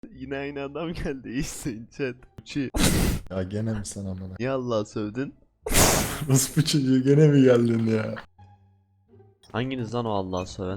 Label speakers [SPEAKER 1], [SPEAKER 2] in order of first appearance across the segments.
[SPEAKER 1] Yine aynı adam geldi. İyisin chat. Uçi.
[SPEAKER 2] Ya gene mi sen amına?
[SPEAKER 1] Niye Allah'a sövdün?
[SPEAKER 2] Ruspu çocuğu gene mi geldin ya?
[SPEAKER 1] Hanginiz lan o Allah'a söven?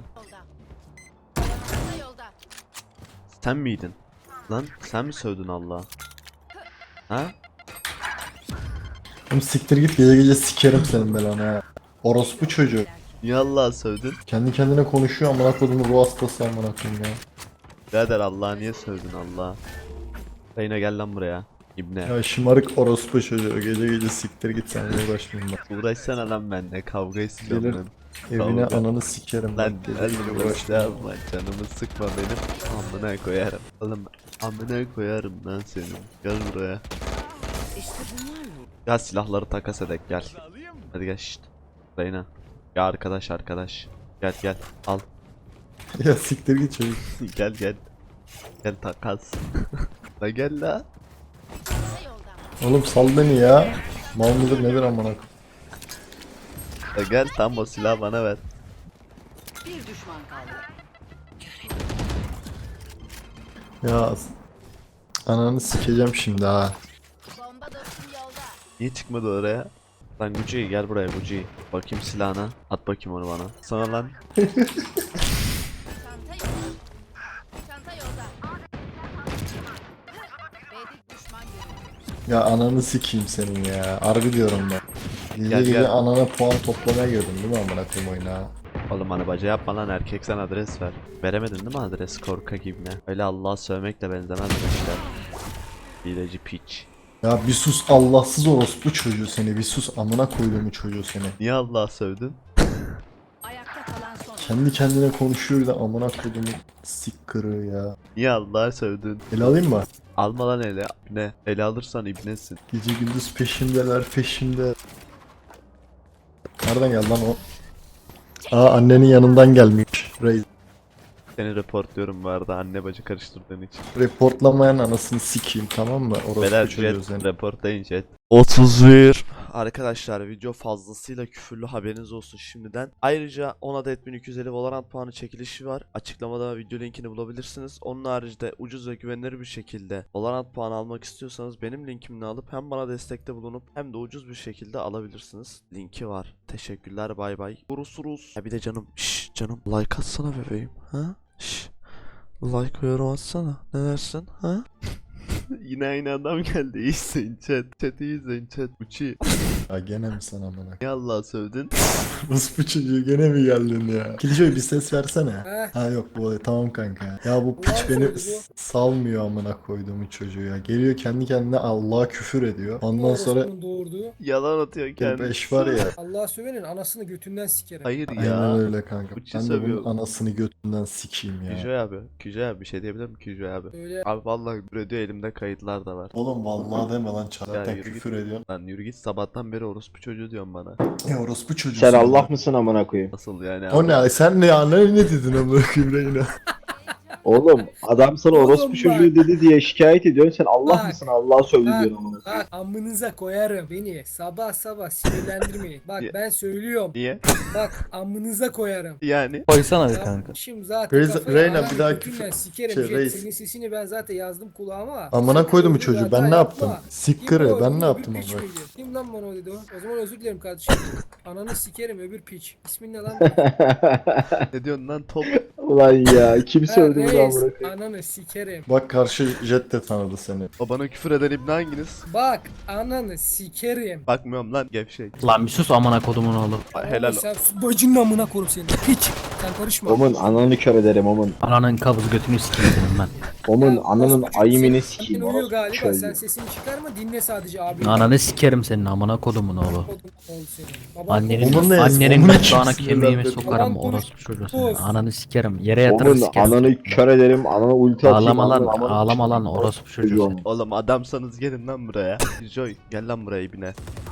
[SPEAKER 3] Yolda.
[SPEAKER 1] Sen miydin? Lan sen mi sövdün Allah'a? Ha?
[SPEAKER 2] Oğlum siktir git, gece gece sikerim senin belanı ha. Orospu çocuğu.
[SPEAKER 1] Niye Allah'a sövdün?
[SPEAKER 2] Kendi kendine konuşuyor amına kodumun ruh hastası amına koyayım ya.
[SPEAKER 1] Birader Allah'a niye sövdün Allah'a? Reyna gel lan buraya. İbne.
[SPEAKER 2] Ya şımarık orospu çocuğu, gece gece siktir git, seninle uğraşmayayım ben.
[SPEAKER 1] Uğraşsana lan benimle. Kavga istiyorum
[SPEAKER 2] Gelir.
[SPEAKER 1] ben.
[SPEAKER 2] Evine
[SPEAKER 1] Kavga.
[SPEAKER 2] ananı sikerim
[SPEAKER 1] Lan
[SPEAKER 2] bak, gece
[SPEAKER 1] gel
[SPEAKER 2] gece
[SPEAKER 1] buraya
[SPEAKER 2] uğraşmayayım.
[SPEAKER 1] yapma. Canımı sıkma benim. Amına koyarım. Oğlum amına koyarım lan seni. Gel buraya.
[SPEAKER 3] İşte bunlar mı?
[SPEAKER 1] Gel silahları takas edek gel. Hadi gel şşt. Reyna. Ya arkadaş. Gel al.
[SPEAKER 2] Ya siktir git çocuk.
[SPEAKER 1] Gel. Gel takas. La gel la.
[SPEAKER 3] Yolda.
[SPEAKER 2] Oğlum sal beni ya. Mal mıdır nedir amına koyayım.
[SPEAKER 1] La gel tam o silahı bana ver.
[SPEAKER 3] Bir düşman kaldı.
[SPEAKER 2] Ya ananı sikeceğim şimdi ha.
[SPEAKER 3] Bomba dostum yolda.
[SPEAKER 1] Niye çıkmadı oraya? Lan Gucci gel buraya Gucci. Bakayım silahına. At bakayım onu bana. Sana lan.
[SPEAKER 3] Çanta yolda. Çanta yolda. B'de düşman görüldü.
[SPEAKER 2] Ya ananı sikeyim senin ya. Harbi diyorum ben. Gece
[SPEAKER 1] Gel,
[SPEAKER 2] gece
[SPEAKER 1] gel.
[SPEAKER 2] anana puan toplamaya girdin değil mi amına koyayım oyuna?
[SPEAKER 1] Oğlum hani baca yapma lan erkek sen adres ver. Veremedin değil mi adres korkak ibne? Öyle Allah'a sövmekle benzemez bu işler. Hileci piç.
[SPEAKER 2] Ya bir sus Allahsız orospu çocuğu seni, bir sus amına koyduğumu çocuğu seni.
[SPEAKER 1] Niye Allah'a sövdün?
[SPEAKER 3] Ayakta kalan son.
[SPEAKER 2] Kendi kendine konuşuyor bir de amına koyduğumu sik kırığı ya.
[SPEAKER 1] Niye Allah'a sövdün?
[SPEAKER 2] El alayım mı?
[SPEAKER 1] Alma lan ele. İbne. Ele alırsan ibnesin.
[SPEAKER 2] Gece gündüz peşimdeler peşimde. Nereden geldi lan o? Aa annenin yanından gelmiş. Reis.
[SPEAKER 1] Seni reportluyorum bu arada anne bacı karıştırdığın için.
[SPEAKER 2] Reportlamayan anasını sikeyim, tamam mı? Orospu
[SPEAKER 1] Beyler
[SPEAKER 2] çocuğu
[SPEAKER 1] jet
[SPEAKER 2] seni.
[SPEAKER 1] reportlayın jet. 31. Arkadaşlar video fazlasıyla küfürlü haberiniz olsun şimdiden. Ayrıca 10 adet 1250 Valorant puanı çekilişi var. Açıklamada video linkini bulabilirsiniz. Onun haricinde ucuz ve güvenilir bir şekilde Valorant puanı almak istiyorsanız benim linkimle alıp hem bana destekte bulunup hem de ucuz bir şekilde alabilirsiniz. Linki var. Teşekkürler bay bay. Vururuz. Ya bir de canım canım like atsana bebeğim ha? Like ve yorum atsana. Ne dersin ha? Yine aynı adam geldi. İyisin chat. Chat iyisin chat. Uçi.
[SPEAKER 2] Ya gene mi sen amına?
[SPEAKER 1] Niye Allah'a sövdün?
[SPEAKER 2] Orospu çocuğu gene mi geldin ya? Kiliçoy bir ses versene. Ha yok bu tamam kanka. Ya bu piç beni salmıyor amına koyduğumu çocuğu ya. Geliyor kendi kendine Allah'a küfür ediyor. Ondan sonra
[SPEAKER 4] Orospu'nun doğurduğu.
[SPEAKER 1] Yalan atıyor kendisi.
[SPEAKER 2] 5 var ya.
[SPEAKER 4] Allah'a sövenin anasını götünden sikerim.
[SPEAKER 1] Hayır
[SPEAKER 2] Aynen
[SPEAKER 1] ya.
[SPEAKER 2] öyle kanka.
[SPEAKER 1] Uçi
[SPEAKER 2] Ben de
[SPEAKER 1] sövüyor.
[SPEAKER 2] bunun anasını götünden sikeyim ya.
[SPEAKER 1] Küjoy abi. Küjoy abi bir şey diyebilir mi Küjoy abi?
[SPEAKER 4] Öyle
[SPEAKER 1] Abi vallahi küfür ediyor elimde kayıtlar da var.
[SPEAKER 2] Oğlum vallahi deme lan,
[SPEAKER 1] Ya
[SPEAKER 2] zaten
[SPEAKER 1] yürü
[SPEAKER 2] küfür
[SPEAKER 1] git.
[SPEAKER 2] ediyorsun.
[SPEAKER 1] Lan yürü git sabahtan beri orospu çocuğu diyorsun bana.
[SPEAKER 2] Ya orospu çocuğu.
[SPEAKER 5] Sen Allah mısın amına koyayım?
[SPEAKER 1] Nasıl yani
[SPEAKER 2] O
[SPEAKER 1] abi?
[SPEAKER 2] ne? Sen ne ya? Ne dedin amına koyayım Reyna?
[SPEAKER 5] Oğlum adam sana
[SPEAKER 4] Oğlum
[SPEAKER 5] orospu
[SPEAKER 4] bak.
[SPEAKER 5] çocuğu dedi diye şikayet ediyorsun. Sen Allah
[SPEAKER 4] Bak.
[SPEAKER 5] mısın Allah'a sövdü
[SPEAKER 4] Bak.
[SPEAKER 5] diyorsun amına koyayım.
[SPEAKER 4] bak amınıza koyarım beni. Sabah sabah sinirlendirmeyin. Bak
[SPEAKER 1] Ya-
[SPEAKER 4] ben söylüyorum.
[SPEAKER 1] Niye?
[SPEAKER 4] Bak amınıza koyarım.
[SPEAKER 1] Yani.
[SPEAKER 6] Koysana bir
[SPEAKER 4] Ya,
[SPEAKER 6] kanka.
[SPEAKER 4] Şimdi zaten
[SPEAKER 2] Reis-
[SPEAKER 4] kafayı
[SPEAKER 2] Reyna,
[SPEAKER 4] ağrım,
[SPEAKER 2] bir daha
[SPEAKER 4] götünden
[SPEAKER 2] küfür-
[SPEAKER 4] sikerim.
[SPEAKER 2] şey,
[SPEAKER 4] Jet,
[SPEAKER 2] reis.
[SPEAKER 4] senin sesini ben zaten yazdım kulağıma.
[SPEAKER 2] Amına
[SPEAKER 4] Sakın
[SPEAKER 2] koydum bu
[SPEAKER 4] öyle bir
[SPEAKER 2] çocuğu.
[SPEAKER 4] hata
[SPEAKER 2] Ben ne
[SPEAKER 4] yapma.
[SPEAKER 2] yaptım?
[SPEAKER 4] Kim
[SPEAKER 2] Sikkırı.
[SPEAKER 4] o?
[SPEAKER 2] Ben ne
[SPEAKER 4] Öbür
[SPEAKER 2] yaptım
[SPEAKER 4] piç
[SPEAKER 2] amına?
[SPEAKER 4] miydi? Kim lan bana o dedi o? O zaman özür dilerim kardeşim. Ananı sikerim öbür piç. İsmin ne lan?
[SPEAKER 1] Ne diyorsun lan top?
[SPEAKER 5] Ulan ya kim sövdü bunu
[SPEAKER 4] Reis,
[SPEAKER 5] amına koyayım?
[SPEAKER 4] ananı sikerim.
[SPEAKER 2] Bak karşı jet de tanıdı seni.
[SPEAKER 1] O bana küfür eden ibne hanginiz?
[SPEAKER 4] Bak ananı sikerim.
[SPEAKER 1] Bakmıyorum lan gevşek.
[SPEAKER 6] Lan bir sus amına kodumun oğlu.
[SPEAKER 1] Helal.
[SPEAKER 4] Sen bacının amına korum seni. Piç. Sen karışma.
[SPEAKER 5] Omun ananı kör ederim omun.
[SPEAKER 6] Ananın kabız götünü sikeyim senin ben.
[SPEAKER 5] Omun
[SPEAKER 4] Ya,
[SPEAKER 5] ananın
[SPEAKER 4] orospu
[SPEAKER 5] ayimini
[SPEAKER 4] çocuğu,
[SPEAKER 5] sikeyim
[SPEAKER 4] senin uyuyor
[SPEAKER 5] orospu
[SPEAKER 4] galiba. Sen
[SPEAKER 5] çocuğu.
[SPEAKER 4] sesini çıkarma dinle sadece abi.
[SPEAKER 6] Ananı sikerim senin amına kodumun oğlu.
[SPEAKER 4] Oldu senin. Baban
[SPEAKER 6] Annenin
[SPEAKER 2] Onun ne?
[SPEAKER 6] annenin
[SPEAKER 2] Onun
[SPEAKER 6] gırtlağına
[SPEAKER 2] için
[SPEAKER 6] kemiğimi
[SPEAKER 2] sinirlendim.
[SPEAKER 6] sokarım
[SPEAKER 4] Yalan
[SPEAKER 6] orospu çocuğu senin.
[SPEAKER 4] konuş.
[SPEAKER 6] Ananı sikerim. Yere yatırır
[SPEAKER 5] Omun
[SPEAKER 6] sikerim.
[SPEAKER 5] ananı kör ederim. Anana ulti atayım.
[SPEAKER 6] Ağlama lan,
[SPEAKER 5] ananın amına
[SPEAKER 6] ağlama lan
[SPEAKER 5] sikeyim,
[SPEAKER 6] orospu çocuğu
[SPEAKER 5] omun.
[SPEAKER 6] sen.
[SPEAKER 1] Oğlum adamsanız gelin lan buraya. Joy gel lan buraya ibne.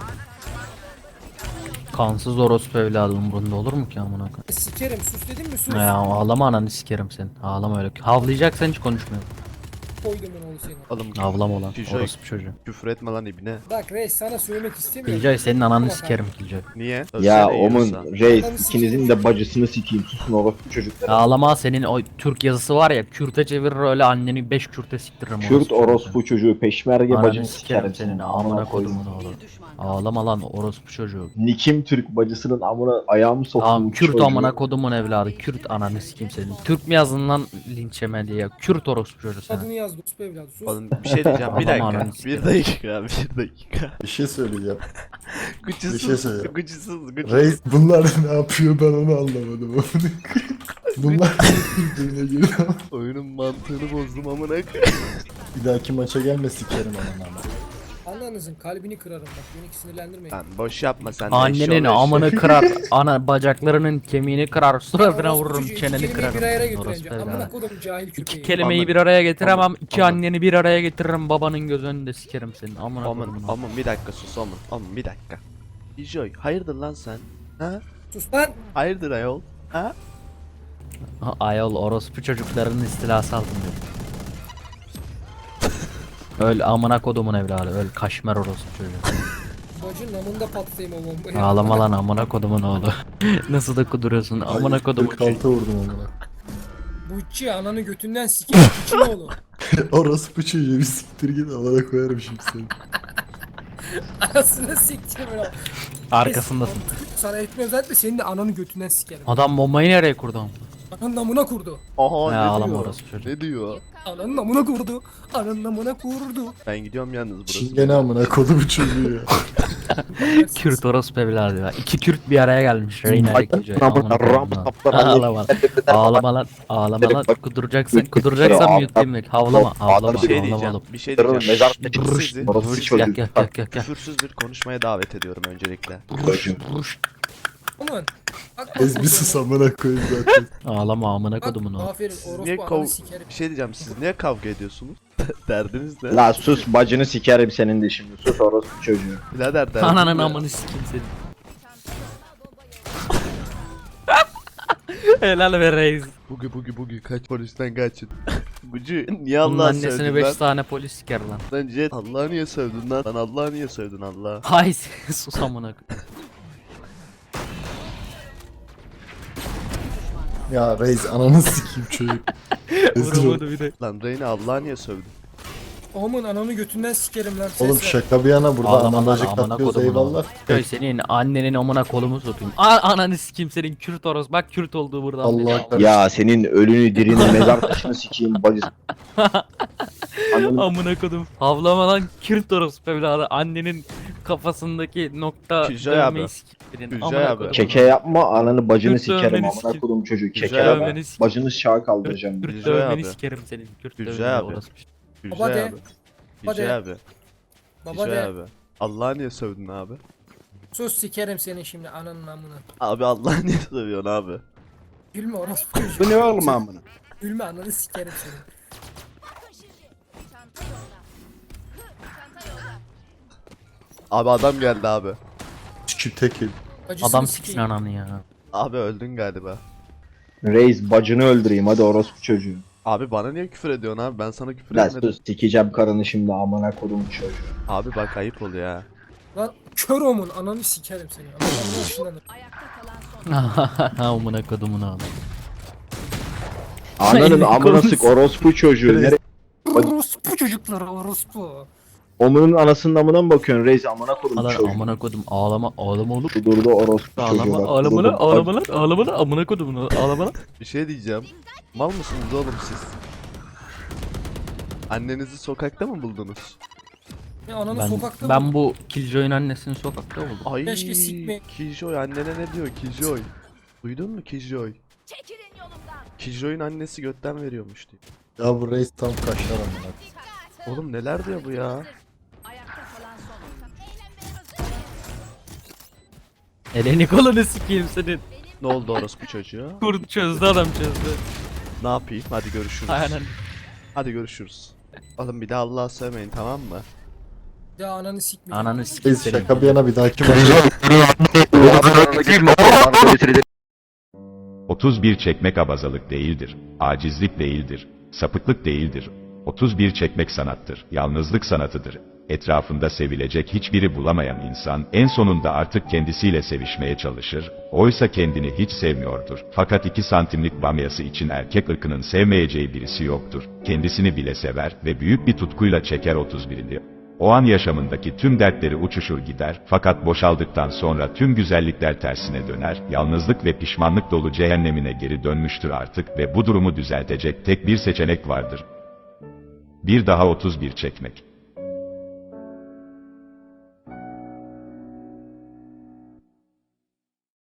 [SPEAKER 6] Kansız orospu evladı umurunda olur mu ki amına koyayım?
[SPEAKER 4] Sikerim sus dedim mi sus.
[SPEAKER 6] Ya ağlama ananı sikerim sen. Ağlama öyle. Havlayacaksan hiç konuşmuyorum.
[SPEAKER 4] koydumun oğlu seni.
[SPEAKER 1] Oğlum
[SPEAKER 6] Avlam olan
[SPEAKER 1] Killjoy,
[SPEAKER 6] orospu çocuğu.
[SPEAKER 1] küfür etme lan ibne.
[SPEAKER 4] Bak reis sana söylemek istemiyorum.
[SPEAKER 6] Killjoy senin ananı
[SPEAKER 4] Bak
[SPEAKER 6] sikerim Killjoy.
[SPEAKER 1] Niye?
[SPEAKER 5] Ya
[SPEAKER 1] Ölsene
[SPEAKER 5] Omun
[SPEAKER 1] yiyorsa.
[SPEAKER 5] reis ikinizin de bacısını sikeyim. Susun orospu çocukları.
[SPEAKER 6] Ağlama senin o Türk yazısı var ya Kürt'e çevirir öyle anneni 5 Kürt'e siktiririm.
[SPEAKER 5] Kürt orospu çocuğu peşmerge
[SPEAKER 6] Ananı
[SPEAKER 5] bacını
[SPEAKER 6] sikerim senin amına
[SPEAKER 5] koydum.
[SPEAKER 6] kodumun oğlu.
[SPEAKER 3] Bir düşman.
[SPEAKER 6] Ağlama lan orospu çocuğu.
[SPEAKER 5] Nikim Türk bacısının amına ayağımı soktum.
[SPEAKER 6] Tamam Kürt
[SPEAKER 5] çocuğu.
[SPEAKER 6] amına kodumun evladı. Kürt ananı sikeyim senin. Türk mü yazdın lan linç yeme diye. Kürt orospu çocuğu sen.
[SPEAKER 4] Adını yaz Rus evladı sus.
[SPEAKER 1] Oğlum bir şey diyeceğim bir
[SPEAKER 6] Adam
[SPEAKER 1] dakika.
[SPEAKER 6] ananı
[SPEAKER 1] Bir
[SPEAKER 6] sikerim.
[SPEAKER 1] dakika bir dakika.
[SPEAKER 2] Bir şey söyleyeceğim. Bir şey
[SPEAKER 1] Gıcısız
[SPEAKER 2] söyleyeceğim.
[SPEAKER 1] gıcısız
[SPEAKER 2] Reis bunlar ne yapıyor ben onu anlamadım. Bunlar birbirine giriyor.
[SPEAKER 1] Oyunun mantığını bozdum amına koyayım.
[SPEAKER 2] Bir dahaki maça gelme sikerim ananı ama.
[SPEAKER 4] Ananızın kalbini kırarım bak beni sinirlendirmeyin.
[SPEAKER 1] Lan boş yapma sen de
[SPEAKER 6] Annenin
[SPEAKER 1] eşşoğlu
[SPEAKER 6] amını kırar. Ana bacaklarının kemiğini kırar. Suratına
[SPEAKER 4] Orospu
[SPEAKER 6] vururum
[SPEAKER 4] çocuğu,
[SPEAKER 6] çeneni
[SPEAKER 4] iki kelimeyi
[SPEAKER 6] kırarım.
[SPEAKER 4] bir araya
[SPEAKER 6] Orospu
[SPEAKER 4] getireceğim.
[SPEAKER 6] evladı.
[SPEAKER 4] Amına kodum cahil köpeği.
[SPEAKER 6] İki kelimeyi
[SPEAKER 1] Aman.
[SPEAKER 6] bir araya getiremem.
[SPEAKER 1] Aman.
[SPEAKER 6] İki
[SPEAKER 1] Aman.
[SPEAKER 6] anneni bir araya getiririm. Babanın göz önünde sikerim senin. Amına
[SPEAKER 1] Aman
[SPEAKER 6] kodumun.
[SPEAKER 1] aman bir dakika sus aman aman bir dakika. Joy hayırdır lan sen? Ha?
[SPEAKER 4] Sus lan.
[SPEAKER 1] Hayırdır ayol? Ha?
[SPEAKER 6] Ayol orospu çocuklarının istilası altında. Öl amına kodumun evladı. Öl kaşmer orospu çocuğu.
[SPEAKER 4] Bacın namında patlayayım o bombayı.
[SPEAKER 6] Ağlama lan amına kodumun oğlu. Nasıl da kuduruyorsun amına kodumun çocuğu.
[SPEAKER 2] 46 vurdum amına.
[SPEAKER 4] Buççi ananı götünden sikerim için oğlu.
[SPEAKER 2] Orospu çocuğu bir siktir git amına koyarım şimdi seni.
[SPEAKER 4] Anasını sikeceğim öyle.
[SPEAKER 6] Arkasındasın.
[SPEAKER 4] Sana etmem zaten senin de ananı götünden sikerim.
[SPEAKER 6] Adam bombayı nereye kurdu ama?
[SPEAKER 4] Ananın namına kurdu.
[SPEAKER 1] Aha
[SPEAKER 6] Ya
[SPEAKER 1] ne
[SPEAKER 6] ağlama
[SPEAKER 1] diyor?
[SPEAKER 6] orospu çocuğu.
[SPEAKER 1] Ne diyor?
[SPEAKER 4] Ananın namına kurdu. Ananın namına kurdu.
[SPEAKER 1] Ben gidiyorum yalnız burası.
[SPEAKER 2] Çingene amına kodu bu çocuğu ya.
[SPEAKER 6] Kürt orospu evladı ya. İki Kürt bir araya gelmiş. Reyna ile Killjoy.
[SPEAKER 5] Amına
[SPEAKER 6] Amına
[SPEAKER 5] ram
[SPEAKER 6] kodumun oğlu.
[SPEAKER 5] saplar.
[SPEAKER 6] Ağlama lan. Ağlama lan. Ağlama lan. Kuduracaksan mute'layım. Havlama. Havlama.
[SPEAKER 1] Bir şey
[SPEAKER 6] Havlama
[SPEAKER 1] diyeceğim.
[SPEAKER 6] oğlum.
[SPEAKER 1] Bir şey
[SPEAKER 5] Kırılın
[SPEAKER 1] diyeceğim.
[SPEAKER 5] mezar
[SPEAKER 1] Şşş, sizi
[SPEAKER 5] orospu çocuğu.
[SPEAKER 6] Gel gel gel gel.
[SPEAKER 1] küfürsüz bir konuşmaya davet ediyorum öncelikle.
[SPEAKER 4] Aman. Bak,
[SPEAKER 2] Ez bir sus amına koyayım zaten.
[SPEAKER 6] Ağlama amına kodumun oğlu.
[SPEAKER 4] Aferin
[SPEAKER 1] Siz niye
[SPEAKER 4] orospu ananı sikerim.
[SPEAKER 1] Bir şey diyeceğim siz niye kavga ediyorsunuz? Derdiniz ne?
[SPEAKER 5] La sus bacını sikerim senin de şimdi. Sus orospu çocuğu.
[SPEAKER 1] Birader derdiniz
[SPEAKER 6] Ananın
[SPEAKER 1] ne?
[SPEAKER 6] amını sikeyim seni. Helal be reis.
[SPEAKER 1] Bugi kaç polisten kaçın. Gucu niye
[SPEAKER 6] Bunun
[SPEAKER 1] Allah'a
[SPEAKER 6] annesini
[SPEAKER 1] sövdün
[SPEAKER 6] 5
[SPEAKER 1] lan?
[SPEAKER 6] tane polis siker lan.
[SPEAKER 1] Lan Jet Allah'a niye sövdün lan? Lan Allah'a niye sövdün Allah?
[SPEAKER 6] Hay sus amına koyayım.
[SPEAKER 2] Ya reis ananı sikeyim çocuk. Rezil ol.
[SPEAKER 6] Vuramadı bir de.
[SPEAKER 1] Lan Reyna Allah'a niye sövdün?
[SPEAKER 4] Aman ananı götünden sikerim lan.
[SPEAKER 2] Oğlum
[SPEAKER 4] Ses ver.
[SPEAKER 2] şaka bir yana burada
[SPEAKER 6] Ağlama lan,
[SPEAKER 2] anamacık
[SPEAKER 6] amına
[SPEAKER 2] atlıyoruz
[SPEAKER 6] kodumun oğlu.
[SPEAKER 2] eyvallah.
[SPEAKER 6] Köy senin annenin amına kolumu sokayım. Ananı sikeyim senin Kürt oros. Bak Kürt olduğu buradan
[SPEAKER 2] Allah
[SPEAKER 6] belli.
[SPEAKER 2] kahretsin.
[SPEAKER 5] Ya senin ölünü dirini mezar taşını sikeyim bacısı. Ananı
[SPEAKER 6] Amına kodum. Havlama lan Kürt orospu evladı. Annenin kafasındaki nokta
[SPEAKER 1] Killjoy
[SPEAKER 6] dövmeyi
[SPEAKER 1] abi.
[SPEAKER 6] sikeyim.
[SPEAKER 5] şey
[SPEAKER 1] Killjoy abi.
[SPEAKER 5] keke yapma ananı bacını
[SPEAKER 6] Kürt
[SPEAKER 5] sikerim
[SPEAKER 6] dövmeni
[SPEAKER 5] amına
[SPEAKER 6] sikeyim.
[SPEAKER 5] kodum çocuk keke
[SPEAKER 1] Güzel
[SPEAKER 5] yapma.
[SPEAKER 6] abi.
[SPEAKER 5] Bacını şaha kaldıracağım.
[SPEAKER 6] Kürt
[SPEAKER 1] Killjoy
[SPEAKER 6] dövmeni
[SPEAKER 1] abi.
[SPEAKER 6] sikerim senin. Kürt
[SPEAKER 1] Killjoy
[SPEAKER 6] dövmeni
[SPEAKER 1] abi.
[SPEAKER 6] orospu.
[SPEAKER 1] Gücay
[SPEAKER 4] Baba de.
[SPEAKER 1] abi.
[SPEAKER 4] Baba
[SPEAKER 1] Gücay
[SPEAKER 4] de.
[SPEAKER 1] abi.
[SPEAKER 4] Baba
[SPEAKER 1] Gücay
[SPEAKER 4] de.
[SPEAKER 1] abi. Allah'a niye sövdün abi?
[SPEAKER 4] Sus sikerim seni şimdi ananın amına.
[SPEAKER 1] Abi Allah'a niye sövüyorsun abi?
[SPEAKER 4] Gülme orospu çocuğu.
[SPEAKER 5] Bu ne oğlum amına?
[SPEAKER 4] Gülme ananı sikerim seni.
[SPEAKER 3] Çanta yolda. Çanta yolda.
[SPEAKER 1] Abi adam geldi abi.
[SPEAKER 2] Sikip tek el.
[SPEAKER 4] Acısını
[SPEAKER 6] Adam
[SPEAKER 4] sikeyim.
[SPEAKER 6] siksin ananı ya.
[SPEAKER 1] Abi öldün galiba.
[SPEAKER 5] Reis bacını öldüreyim hadi orospu çocuğu.
[SPEAKER 1] Abi bana niye küfür ediyorsun abi? Ben sana küfür
[SPEAKER 5] Lan
[SPEAKER 1] etmedim.
[SPEAKER 5] sus sikeceğim karını şimdi amına kodum çocuğu.
[SPEAKER 1] Abi bak ayıp oluyor ya.
[SPEAKER 4] Lan kör omun ananı sikerim seni. Ananı ışınlanır.
[SPEAKER 3] Ayakta kalan son.
[SPEAKER 6] Amına kodumun oğlu.
[SPEAKER 5] Ananın
[SPEAKER 6] Ay,
[SPEAKER 5] amına
[SPEAKER 6] konuş.
[SPEAKER 5] sık orospu çocuğu. Nere?
[SPEAKER 4] Orospu çocukları orospu.
[SPEAKER 5] Omunun anasının amına mı bakıyorsun reis amına kodum
[SPEAKER 6] Lan
[SPEAKER 5] çocuğu.
[SPEAKER 6] amına kodum ağlama oğlum.
[SPEAKER 5] Durdu orospu çocuğu
[SPEAKER 6] Ağlama
[SPEAKER 5] bak.
[SPEAKER 6] ağlama lan
[SPEAKER 5] durdu.
[SPEAKER 6] ağlama lan ağlama lan amına kodumun oğlu. Ağlama lan.
[SPEAKER 1] Bir şey diyeceğim. Mal mısınız oğlum siz? Annenizi sokakta mı buldunuz?
[SPEAKER 4] Ya ananı
[SPEAKER 6] Ben,
[SPEAKER 4] sokakta
[SPEAKER 6] ben bu Killjoy'un annesini sokakta buldum.
[SPEAKER 1] Ay
[SPEAKER 4] Keşke sikme.
[SPEAKER 1] Killjoy annene ne diyor Killjoy? Duydun mu Killjoy?
[SPEAKER 3] Çekilin yolumdan.
[SPEAKER 1] Killjoy'un annesi götten veriyormuş diyor.
[SPEAKER 2] Ya bu reis tam kaşlar amına.
[SPEAKER 1] Oğlum neler diyor bu ya?
[SPEAKER 3] Ayakta kalan son.
[SPEAKER 6] Eleni kolunu sikeyim senin.
[SPEAKER 1] Ne oldu orospu çocuğa?
[SPEAKER 6] Kurt çözdü adam çözdü.
[SPEAKER 1] Ne yapayım? Hadi görüşürüz.
[SPEAKER 6] Aynen.
[SPEAKER 1] Hadi görüşürüz. Oğlum bir daha Allah'a sövmeyin tamam mı?
[SPEAKER 4] Ya ananı sikme.
[SPEAKER 6] Ananı sikeyim
[SPEAKER 2] Reis
[SPEAKER 6] senin.
[SPEAKER 2] şaka bir yana bir dahaki maça.
[SPEAKER 7] 31 çekmek abazalık değildir, acizlik değildir, sapıklık değildir, 31 çekmek sanattır, yalnızlık sanatıdır. Etrafında sevilecek hiçbiri bulamayan insan, en sonunda artık kendisiyle sevişmeye çalışır, oysa kendini hiç sevmiyordur. Fakat 2 santimlik bamyası için erkek ırkının sevmeyeceği birisi yoktur. Kendisini bile sever ve büyük bir tutkuyla çeker 31'ini. O an yaşamındaki tüm dertleri uçuşur gider, fakat boşaldıktan sonra tüm güzellikler tersine döner, yalnızlık ve pişmanlık dolu cehennemine geri dönmüştür artık ve bu durumu düzeltecek tek bir seçenek vardır. Bir daha 31 çekmek.